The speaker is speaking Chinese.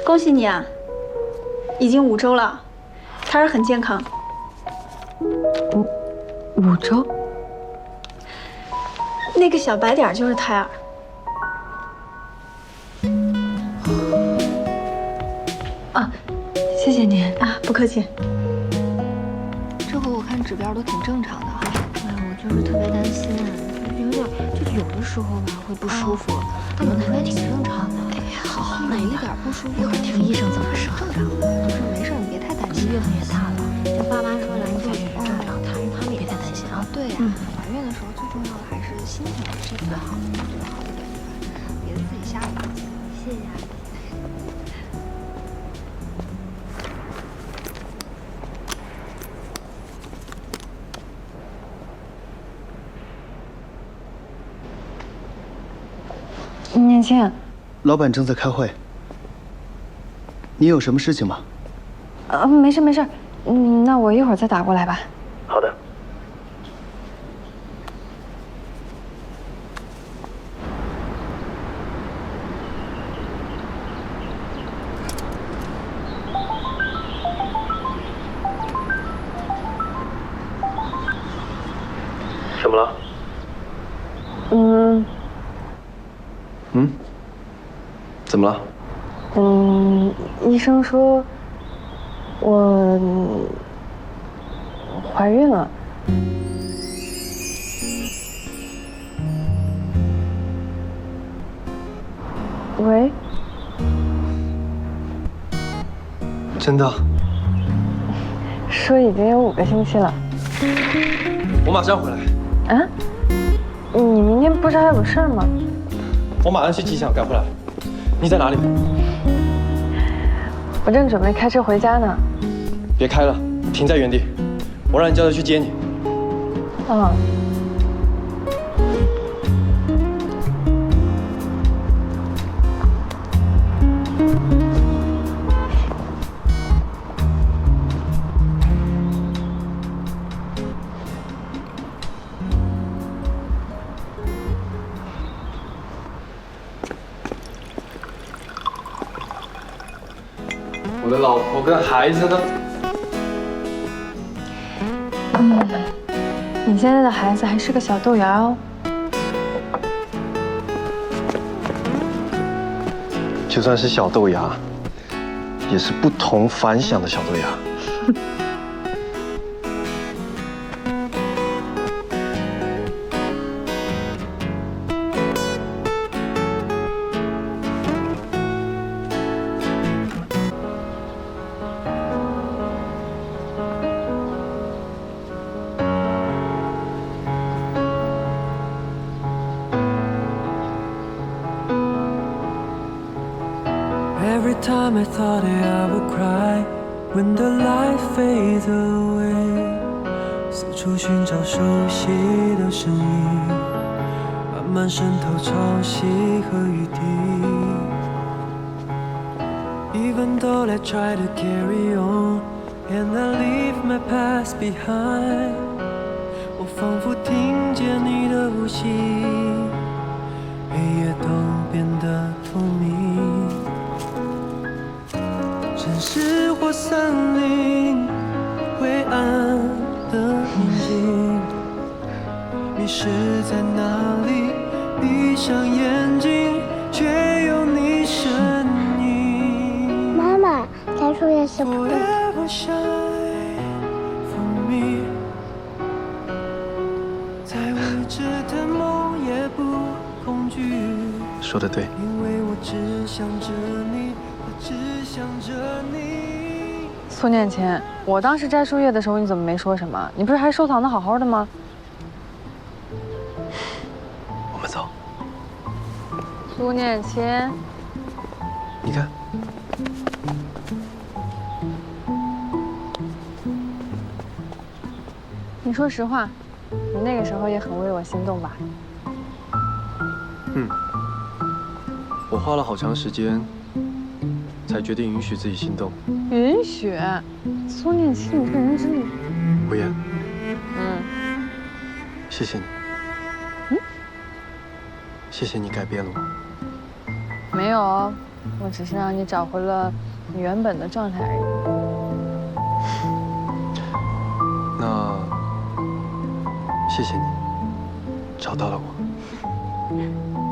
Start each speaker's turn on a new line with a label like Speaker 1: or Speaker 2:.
Speaker 1: 恭喜你啊，已经5周了，胎儿很健康。
Speaker 2: 5周？
Speaker 1: 那个小白点就是胎儿。
Speaker 2: 啊，谢谢您
Speaker 1: 啊，不客气。
Speaker 3: 这回我看指标都挺正常的哈。哎呀，我就是特别担心，有点就有的时候吧会不舒服，但本来也挺正常的。哎呀，好，哪一点不舒服，一会儿听医生怎么说。正常的，就是没事，你别太担心。月份也大了，就爸妈说来做也是正常，他们也别太担心啊。对呀，怀孕的时候最重要的还是心情这个好，这个好一点，别自己吓唬自己。谢谢阿姨。
Speaker 2: 念青，
Speaker 4: 老板正在开会，你有什么事情吗？
Speaker 2: 没事没事，那我一会儿再打过来吧。
Speaker 4: 好的。怎么了？怎么了？
Speaker 2: 医生说我怀孕了。喂？
Speaker 5: 真的？
Speaker 2: 说已经有5个星期了。
Speaker 5: 我马上回来。
Speaker 2: 啊？你明天不是还有事儿吗？
Speaker 5: 我马上去机场赶回来。你在哪里？
Speaker 2: 我正准备开车回家呢。
Speaker 5: 别开了，停在原地，我让你叫他去接你。
Speaker 2: 嗯。
Speaker 5: 我的老婆跟孩子呢？
Speaker 2: 你现在的孩子还是个小豆芽哦。
Speaker 5: 就算是小豆芽，也是不同凡响的小豆芽。
Speaker 6: Every time I thought that I would cry when the light fades away， 四处寻找熟悉的声音，慢慢渗透潮汐和雨滴。Even though I try to carry on and I leave my past behind， 我仿佛听见你的呼吸，黑夜都变得透明。城市或森林，灰暗的宁静，迷失在哪里？闭上眼睛，却有你身影。
Speaker 7: 妈妈，摘树叶是不对。
Speaker 6: Forever shine for me， 再未知的梦也不恐惧。
Speaker 5: 说得对。
Speaker 6: 因为我只想着你。
Speaker 2: 苏念琴，我当时摘树叶的时候，你怎么没说什么？你不是还收藏的好好的吗？
Speaker 5: 我们走。
Speaker 2: 苏念琴，
Speaker 5: 你看，
Speaker 2: 你说实话，你那个时候也很为我心动吧？
Speaker 5: 我花了好长时间。才决定允许自己心动。
Speaker 2: 允许？苏念琴，你这人真的……
Speaker 5: 无言。谢谢你。谢谢你改变了我。
Speaker 2: 没有哦， 我只是让你找回了你原本的状态而已。
Speaker 5: 那谢谢你，找到了我。